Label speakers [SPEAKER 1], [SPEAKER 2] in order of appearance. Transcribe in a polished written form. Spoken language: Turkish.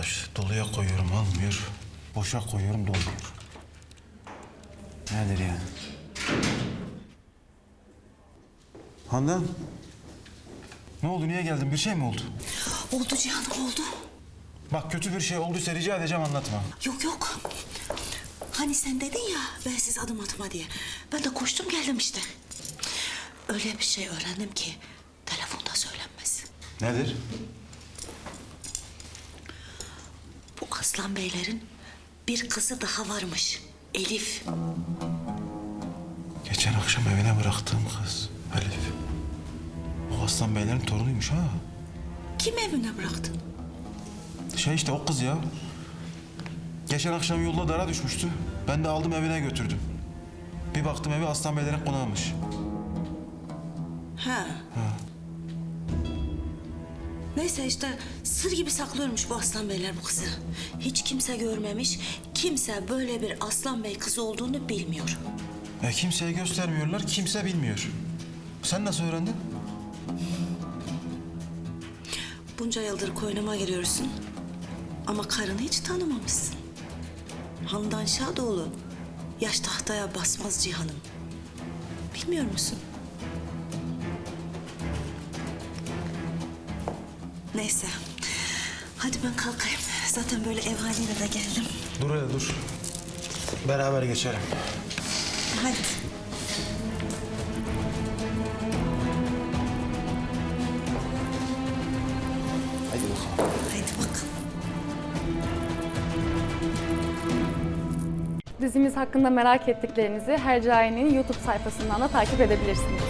[SPEAKER 1] arkadaş. Doluya koyuyorum almıyor. Boşa koyuyorum dolmuyor. Nedir yani? Handan. Ne oldu? Niye geldin? Bir şey mi oldu?
[SPEAKER 2] Oldu Cihan, oldu.
[SPEAKER 1] Bak kötü bir şey olduysa rica edeceğim anlatma.
[SPEAKER 2] Yok yok. Hani sen dedin ya ben siz adım atma diye. Ben de koştum geldim işte. Öyle bir şey öğrendim ki telefonda söylenmez.
[SPEAKER 1] Nedir?
[SPEAKER 2] Bu Aslan Beylerin bir kızı daha varmış. Elif.
[SPEAKER 1] Geçen akşam evine bıraktığım kız Elif. O Aslan Beylerin torunuymuş ha.
[SPEAKER 2] Kim evine bıraktın?
[SPEAKER 1] Şey işte o kız ya. Geçen akşam yolda dara düşmüştü. Ben de aldım evine götürdüm. Bir baktım evi Aslan Beylerin konağıymış.
[SPEAKER 2] Ha. Neyse işte sır gibi saklıyormuş bu Aslan Beyler bu kızı. Hiç kimse görmemiş, kimse böyle bir Aslan Bey kızı olduğunu bilmiyor.
[SPEAKER 1] Kimseye göstermiyorlar, kimse bilmiyor. Sen nasıl öğrendin?
[SPEAKER 2] Bunca yıldır koynuma giriyorsun ama karını hiç tanımamışsın. Handan Şadoğlu, yaş tahtaya basmaz Cihan'ım. Bilmiyor musun? Neyse, hadi ben kalkayım. Zaten böyle ev haline de geldim.
[SPEAKER 1] Dur hele dur. Beraber geçelim.
[SPEAKER 2] Hadi.
[SPEAKER 1] Hadi bakalım.
[SPEAKER 2] Haydi bakalım.
[SPEAKER 3] Dizimiz hakkında merak ettiklerinizi Hercai'nin YouTube sayfasından da takip edebilirsiniz.